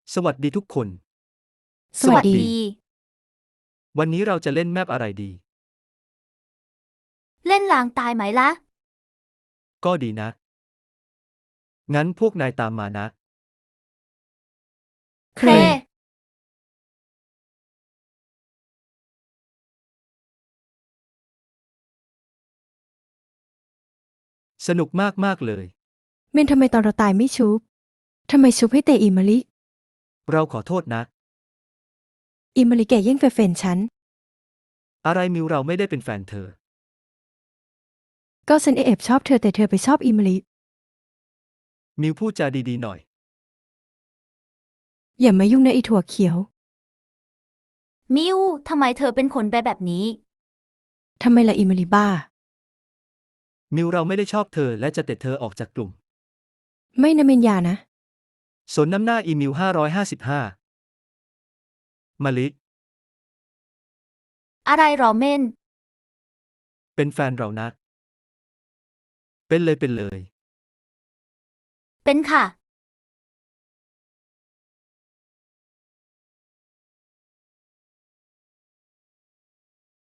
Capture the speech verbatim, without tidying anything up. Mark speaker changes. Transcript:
Speaker 1: สวัสดีทุกคน
Speaker 2: สวัสดี
Speaker 1: วันนี้เราจะเล่นแมปอะไรดี
Speaker 2: เล่นลางตายไหมล่ะ
Speaker 1: ก็ดีนะ งั้นพวกนายตามมานะ
Speaker 2: เคร
Speaker 1: สนุกมากๆเลย
Speaker 3: เมนทำไมตอนเราตายไม่ชุบ ทำไมชุบให้เตอิมาลิ
Speaker 1: เราขอโทษนะ
Speaker 3: อิมาลิแกแย่งแฟนๆฉัน
Speaker 1: อะไรมิวเราไม่ได้เป็นแฟนเธอ
Speaker 3: ก็ฉันแอบชอบเธอแต่เธอไปชอบอิมาลิ
Speaker 1: มิวพูดจาดีๆหน่อย
Speaker 3: อย่ามายุ่งนะไอถั่วเขียว
Speaker 2: มิวทำไมเธอเป็นคนแบบแบบนี้
Speaker 3: ทำไมล่ะอิมาลิบ้า
Speaker 1: มิวเราไม่ได้ชอบเธอและจะเตะเธอออกจากกลุ่ม
Speaker 3: ไม่นะเมนยานะ
Speaker 1: สนน้ำหน้าอีมิวห้าร้อยห้าสิบห้า มาลิ
Speaker 2: อะไรหรอเม่น
Speaker 1: เป็นแฟนเรานะ เป็นเลยเป็นเลย
Speaker 2: เป็นค่ะ